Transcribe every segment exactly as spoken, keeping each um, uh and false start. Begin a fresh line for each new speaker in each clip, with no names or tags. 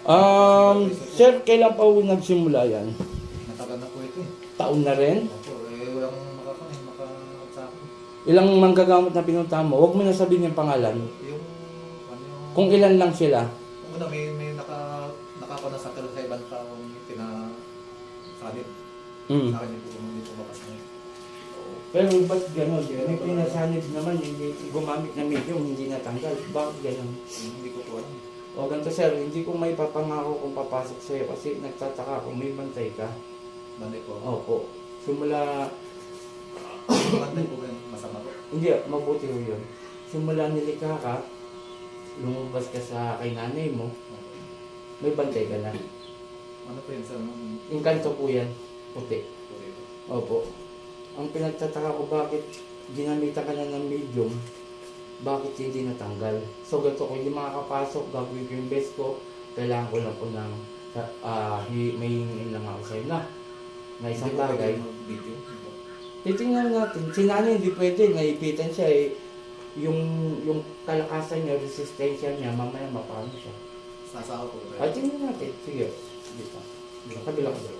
Um, sir, kailan pa po nagsimula yan?
Matagal na po ito eh.
Taon na rin?
Opo, eh walang makakain, makakasako.
Ilang manggagamot na pinuntahan mo? Huwag mo na sabihin yung pangalan.
Yung, ano yung...
Kung ilan lang sila.
Una, may, may naka, nakapana sa pero sa ibang taong pinasanib.
Mm.
Sa akin yung po, hindi po makasanib.
Pero ba't gano'n? May pinasanib naman, hindi gumamit na medium, hindi natanggal. Bakit gano'n?
Hindi ko po alam.
O ganito sir, hindi ko may papangako kung papasok sa'yo kasi nagtataka kung may bantay ka.
Bantay po.
Opo. Simula,
Bantay po ba yung masama po?
hindi, mabuti ho yun. Simula nilikha ka, lumabas ka sa kay nanay mo, may bantay ka na.
Ano po yun sa...
Yung kanto po yan, puti.
Puti po.
Opo. Ang pinagtataka ko bakit ginamitan ka na ng medium, bakit hindi natanggal? So ganito, kung hindi makakapasok, gagawin ko yung best ko, kailangan ko lang po ng, uh, may hingin lang ako sa'yo na, na isang bagay.
Video.
Titingnan natin, si nanay hindi pwede, naipitan siya eh, yung, yung kalakasan niya, resistensya niya, mamaya mapano siya.
Sasako po ba?
Ay, tingnan natin, sige, dito, dito, kabila ko dito.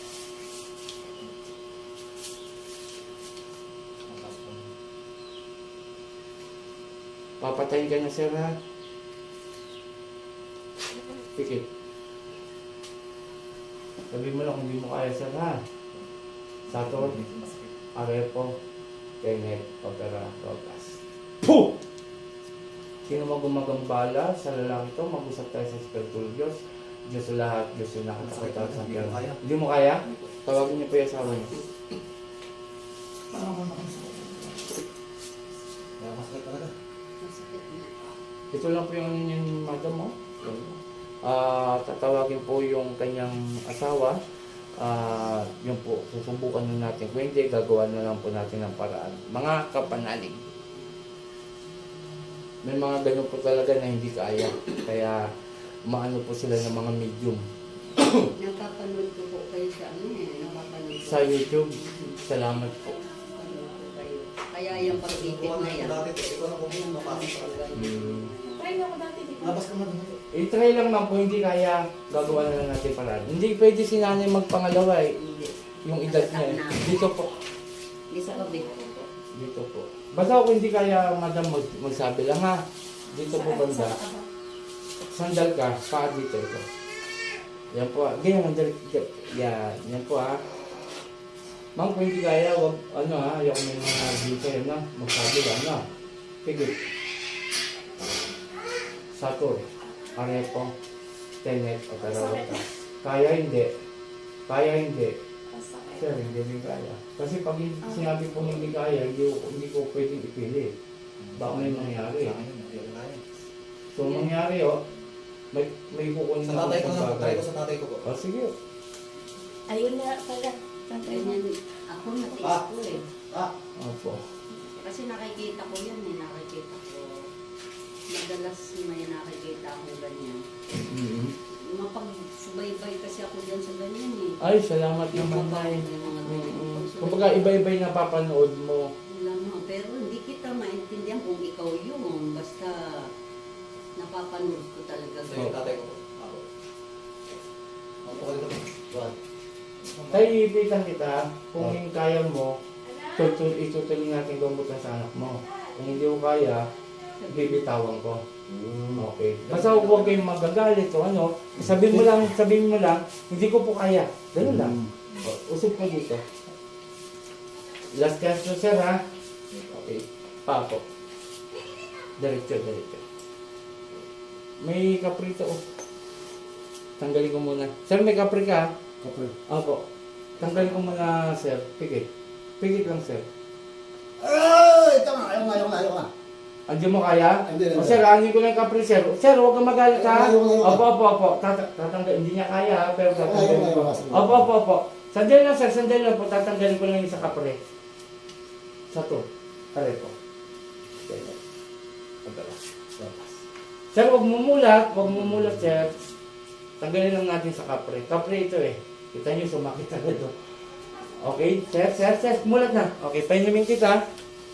Papatayin ka na sir ha. Pikit. Sabi mo lang kung hindi mo kaya sir ha. Sator, Arepo, Tenet, Opera, Rogas. Puh! Sino mo gumagambala sa lalaki to? Mag-usap tayo sa Espiritu Diyos. Diyos sa lahat, Diyos sa nakakakita sa kanya. Hindi mo kaya? Tawagin niyo po yung asawa niyo.
Kaya masakit talaga.
Ito lang po yung ano yung madam mo. Ah, tatawagin po yung kanyang asawa. Ah, yun po, susubukan na natin. Kung hindi, gagawa na lang po natin ng paraan. Mga kapanalig. May mga ganun po talaga na hindi kaya. Kaya, maano po sila ng mga medium.
Napapanood ko po kayo sa ano eh. Napapanood ko.
Sa YouTube, salamat po.
Napapanood ko kayo. Kaya yung pag-ibig na yan.
Dati, ikaw na kung ano mapasok sa kanila.
Hmm.
Try mo ako dati, di ba?
Labas ka man.
I-try lang man po, hindi kaya, gagawa na lang natin paraan. Hindi pwede si nanay magpangalawa eh.
Hindi.
Yung edad niya eh. Dito po.
Hindi sa kabit.
Dito po. Basta kung hindi kaya, madam, mag magsabi lang ha. Dito po banda. Sandal ka, paa dito ito. Yan po ha. Ganyan, sandal. Yan. Yan po ha. Ma'am, kung hindi kaya, wag, ano ha, ayoko may mga dito yan ha. Magsabi lang ha. Pigit. Satur. Arepo. Tenet. O Tarawata. Kaya hindi. Kaya hindi.
Masakit.
Sir, hindi din kaya. Kasi pag sinabi po hindi kaya, hindi ko, hindi ko pwedeng ipili. Baka may mangyari.
Sa akin yun, hindi ko kaya.
So, mangyari oh, may, may kukunin
Sa tatay ko
akong
na,
bagay.
try ko sa tatay ko po.
Oh, sige.
Ayun na pala. Tatay mo.
Ganyan. Ako natiis
Ah.
ko eh.
Ah,
Opo.
Kasi nakikita ko yan eh. Nakikita ko. Madalas may nakikita ako ganyan.
Mm-hmm.
Mapagsubaybay kasi ako dyan sa ganyan eh.
Ay, salamat
Yung
naman
mga
ay.
yung mga
Mm-hmm.
ganyan.
Kumbaga, iba-iba yung napapanood mo.
Alam mo, pero hindi kita maintindihan kung ikaw yun. Basta napapanood ko talaga.
sa yung tatay ko po. Ako. Ako ko dito. Buwan.
Tayo ibitan kita, kung yung kaya mo, tutul itutuloy natin gamutan sa anak mo. Kung hindi mo kaya, bibitawan ko. Okay. Basta huwag kayong magagalit o ano. Sabihin mo lang, sabihin mo lang, hindi ko po kaya. Ganun lang. O, usap ko dito. Last chance to sir ha. Okay. Papo. Diretso, diretso. May kaprito oh. Tanggalin ko muna. Sir, may kapri ka?
Kapre.
Opo. Tanggalin ko muna sir. Pigit. Pigit lang sir.
Ay, ito nga, ayaw nga, ayaw nga, ayaw nga.
Andiyan mo kaya?
Hindi, hindi.
O sir, anin ko lang yung kapri sir. Sir, huwag kang magalit ha.
Ayaw, ayaw, ayaw.
Opo, opo, opo. Tata- Tatanggal. Hindi niya kaya ha, pero
Ayaw,
tatanggalin
ayaw,
ko.
ayaw.
Opo, opo, opo. Sandali lang sir, sandali lang po. Tatanggalin ko lang yung sa kapre. Sa to. Pare po. Okay. Pagkala. Labas. Sir, huwag mumulat. Huwag mumulat sir. Tanggalin lang natin sa kapre. Kapre ito eh. Kita niyo, sumakit agad oh. Okay, sir, sir, sir. Mulat na. Okay, painimin kita.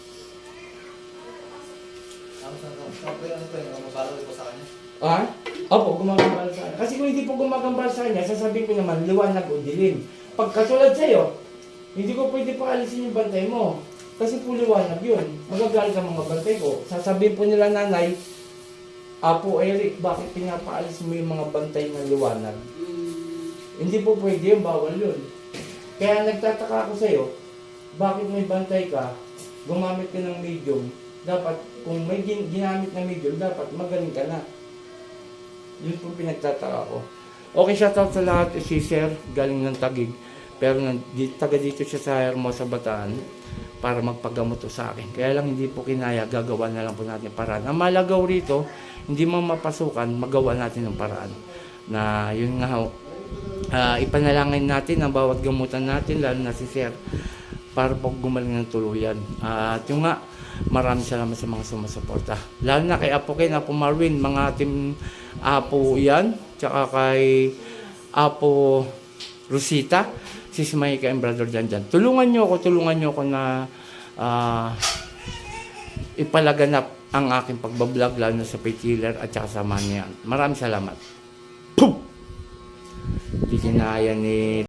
Ano sa kapre, ano ito yung mabalo ko sa kanya?
Ah? Opo, gumagambal sa kanya. Kasi kung hindi po gumagambal sa kanya, sasabihin ko naman, liwanag o dilim. Pag katulad sa'yo, hindi ko pwede paalisin yung bantay mo. Kasi po liwanag yun. Magagalit ang mga bantay ko. Sasabihin po nila nanay, Apo Eric, bakit pinapaalis mo yung mga bantay ng liwanag?
Mm.
Hindi po pwede yun, bawal yun. Kaya nagtataka ako sa'yo, bakit may bantay ka, gumamit ka ng medium, dapat, kung may gin- ginamit na medium, dapat magaling ka na. Yun po pinagtataka ko. Okay, shoutout sa lahat, si Sir, galing ng Taguig. Pero nang, di, taga dito siya sa Hermosa, Bataan para magpagamot to sa akin. Kaya lang hindi po kinaya, gagawa na lang po natin paraan. Ang malagaw rito, hindi mo mapasukan, magawa natin ng paraan. Na yun nga, uh, ipanalangin natin ang bawat gamutan natin, lalo na si Sir, para po gumaling ng tuluyan. Uh, at yung nga, maraming salamat sa mga sumusuporta. Lalo na kay Apo Ken, Apo Marwin, mga team Apo yan, tsaka kay Apo Rosita, si Smaika and Brother Janjan. Tulungan nyo ako, tulungan nyo ako na uh, ipalaganap ang aking pagbablog, lalo na sa Paytiller at saka sa Manian. Maraming salamat. Puh! Hindi kinaya ni